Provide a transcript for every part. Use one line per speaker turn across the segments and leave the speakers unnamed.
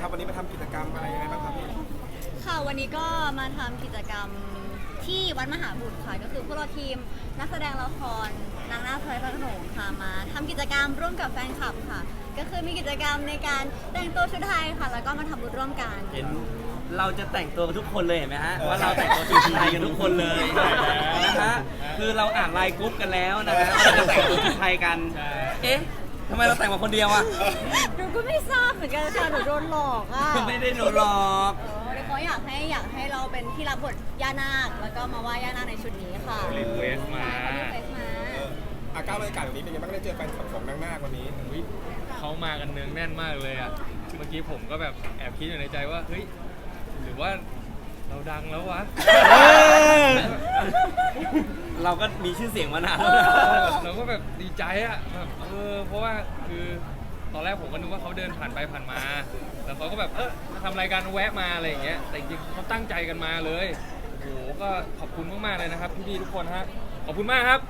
ครับวันนี้มาทำกิจกรรมอะไรยังไงบ้างครับพี่
ค่ะวันนี้ก็มาทำกิจกรรมที่วัดมหาบุตรค่ะก็คือพวกเราทีมนักแสดงละครนางนาคพระโขนงค่ะมาทำกิจกรรมร่วมกับแฟนคลับค่ะก็คือมีกิจกรรมในการแต่งตัวชุดไทยค่ะแล้วก็มาทำบุญร่วมกัน
เห็นเราจะแต่งตัวทุกคนเลยเห็นไหมฮะว่าเราแต่งตัวชุดไทยกันทุกคนเลยนะฮะคือเราอ่านไลน์กรุ๊ปกันแล้วนะฮะเราจะแต่งตัวชุดไทยกันเอ๊ะทำไมเราแต่งมาคนเดียวอ่ะ
หนูก็ไม่ทราบเหมือนกันค่ะหนูโดนหลอกอ่ะ
ไม่ได้โดนหลอก
เขาอยากให้เราเป็นที่รับบทย่านาคแล้วก็มาว่าย่านาคในชุดนี้ค่ะ
รีเควสมา
อาการบรรยากาศวันนี้เป็นยังไงบ้างได้เจอแฟนคลับของนางนาควันนี้
เขามากันเนืองแน่นมากเลยอ่ะเมื่อกี้ผมก็แบบแอบคิดอยู่ในใจว่าเฮ้ยหรือว่าเราดังแล้ววะ
เราก็มีชื่อเสียงมานาน
เราก็แบบดีใจอ่ะแบบเพราะว่าคือตอนแรกผมก็นึกว่าเขาเดินผ่านไปผ่านมาแล้วเขาก็แบบทำรายการแวะมาอะไรอย่างเงี้ยแต่จริงๆเขาตั้งใจกันมาเลยโอ้โหก็ขอบคุณมากๆเลยนะครับพี่ๆทุกคนฮะขอบคุณมากครับ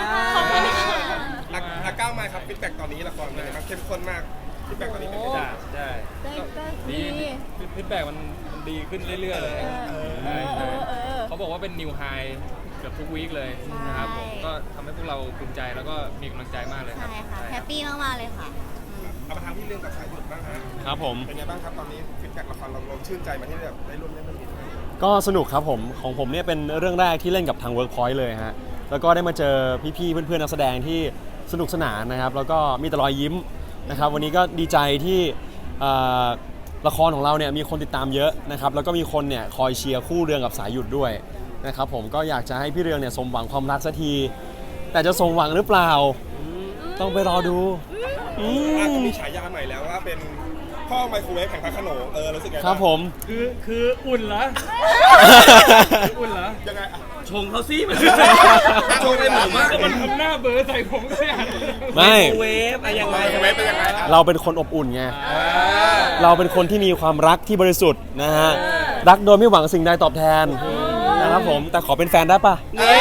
อาก้าวมาครับฟีดแบ็กตอนนี้ละครเป็นยังไงบ้างเข้มข้นมากฟีดแบ็กตอนนี้เป็นยังไง
ใช่ดีฟีดแบ็กมันดีขึ้นเรื่อยๆเลยเขาบอกว่าเป็นนิวไฮเกือบทุกวีคเลยนะครับผมก็ทำให้พวกเราภูมิใจแล้วก็มีกำลังใจมากเลยครับ
ใช่ค่ะแฮปปี้มากๆเลยค่ะ
เอามาทำที่เรื่องกับสายหยุดบ้างฮะ
ครับผม
เป็นไงบ้างครับตอนนี้ฟีดแบ็กละครเราชื่นใจมาที่แบบได้ร่วมเล่นเรื่องนี้
ก็สนุกครับผมของผมเนี่ยเป็นเรื่องแรกที่เล่นกับทาง Workpoint เลยฮะแล้วก็ได้มาเจอพี่ๆเพื่อนๆนักแสดงที่สนุกสนานนะครับแล้วก็มีแต่รอยยิ้มนะครับวันนี้ก็ดีใจที่ละครของเราเนี่ยมีคนติดตามเยอะนะครับแล้วก็มีคนเนี่ยคอยเชียร์คู่เรืองกับสายหยุดด้วยนะครับผมก็อยากจะให้พี่เรืองเนี่ยสมหวังความรักสักทีแต่จะสมหวังหรือเปล่าต้องไปรอดู
มีฉายาใหม่แล้วว่าเป็นพ่อไมโครเวฟแข่งพระโขนงรู้สึกไง
ครับผม
คืออุ่นเหรออุ่นเหรอ
ยังไง
ชงเขาซิมันชงอะไรผมมาก
มันทำหน้าเบอร์ใส่ผมก็
ไม่
เวฟอะไรยังไง
เราเป็นคนอบอุ่นไงเราเป็นคนที่มีความรักที่บริสุทธิ์นะฮะรักโดยไม่หวังสิ่งใดตอบแทนนะครับผมแต่ขอเป็นแฟนได้ปะ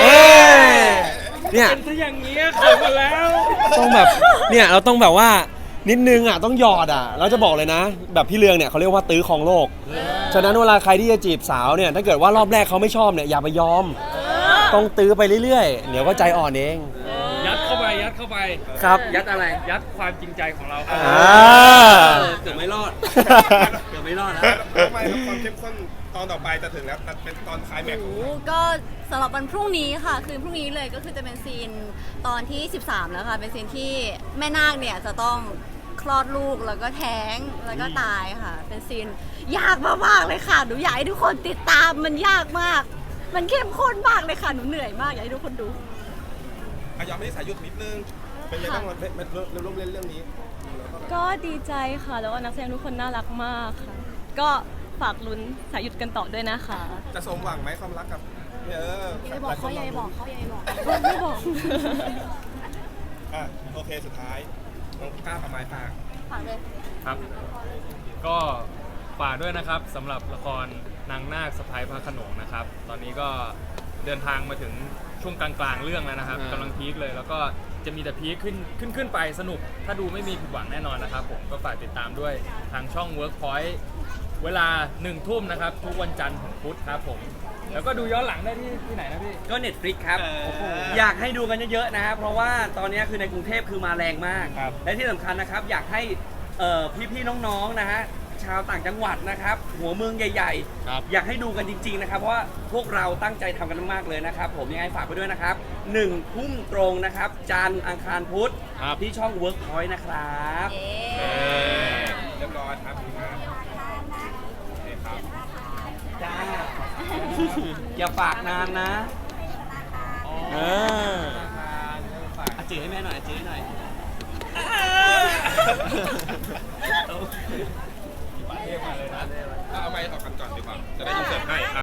เนี่ย
เป็นซะอย่างนี้เขินมาแล้ว
ต้องแบบเนี่ยเราต้องแบบว่านิดนึงอ่ะต้องหยอดอ่ะแล้วจะบอกเลยนะแบบพี่เรืองเนี่ยเขาเรียกว่าตื้อของโลกฉะนั้นเวลาใครที่จะจีบสาวเนี่ยถ้าเกิดว่ารอบแรกเขาไม่ชอบเนี่ยอย่าไปยอมต้องตื้อไปเรื่อยๆเดี๋ยวก็ใจอ่อนเอง
ยัดเข้าไป
ครับ
ยัดอะไร
ยัดความจริงใจของเรา
เกือบไม่รอดนะ
ทำไมความเข้มข้นตอนต่อไปจะถึงแล้วเป็นตอนคลายแม็กซ์
ก็สำหรับวันพรุ่งนี้ค่ะคืนพรุ่งนี้เลยก็คือจะเป็นซีนตอนที่13แล้วค่ะเป็นซีนที่แม่นาคเนี่ยจะต้องคลอดลูกแล้วก็แท้งแล้วก็ตายค่ะเป็นซีนยากมากๆเลยค่ะหนูอยากให้ทุกคนติดตามมันยากมากมันเข้มข้นมากเลยค่ะหนูเหนื่อยมากอยากให้ทุกคนดู
ยอมไม่ได้สายหยุดนิดนึงเป็นยังไงบ้างมันร่วมเล่นเรื่องนี้
ก็ดีใจค่ะแล้วก็นักแสดงทุกคนน่ารักมากค่ะก็ฝากลุ้นสายหยุดกันต่อด้วยนะคะ
จะสมหวังไหมความรักกับ
อย่าบอกเขาอย่าบอก
ไม่บอก
โอเคสุดท้ายน้องก้าวกับไม้ฝ
ากเลย
ครับก็ฝากด้วยนะครับสำหรับละครนางนาคสะใภ้พระโขนงนะครับตอนนี้ก็เดินทางมาถึงช่วงกลางๆเรื่องแล้วนะครับกำลังพีคเลยแล้วก็จะมีแต่พีคขึ้นไปสนุกถ้าดูไม่มีผิดหวังแน่นอนนะครับผมก็ฝากติดตามด้วยทางช่อง Workpoint เวลา 1 ทุ่มนะครับทุกวันจันทร์ถึงพุธครับผมแล้วก็ดูย้อนหลังได้ที่ไหนนะพี่
ก็ Netflix ครับอยากให้ดูกันเยอะๆนะครับเพราะว่าตอนนี้คือในกรุงเทพคือมาแรงมากและที่สำคัญนะครับอยากให้พี่ๆน้องๆนะฮะชาวต่างจังหวัดนะครับหัวเมืองใหญ่ๆอยากให้ดูกันจริงๆนะครับเพราะว่าพวกเราตั้งใจทำกันมากเลยนะครับผมยังไงฝากไปด้วยนะครับ1 ทุ่มตรงนะครับจันทร์อังคารพุธที่ช่อง Workpoint นะครับ
เรียบร้อยครับ
จ้าอย่าฝากนานนะจืดให้แม่หน่อยจืดให้หน่อย
เอาไม้ออกกันก่อนดีกว่าจะได้ยินเสียงให้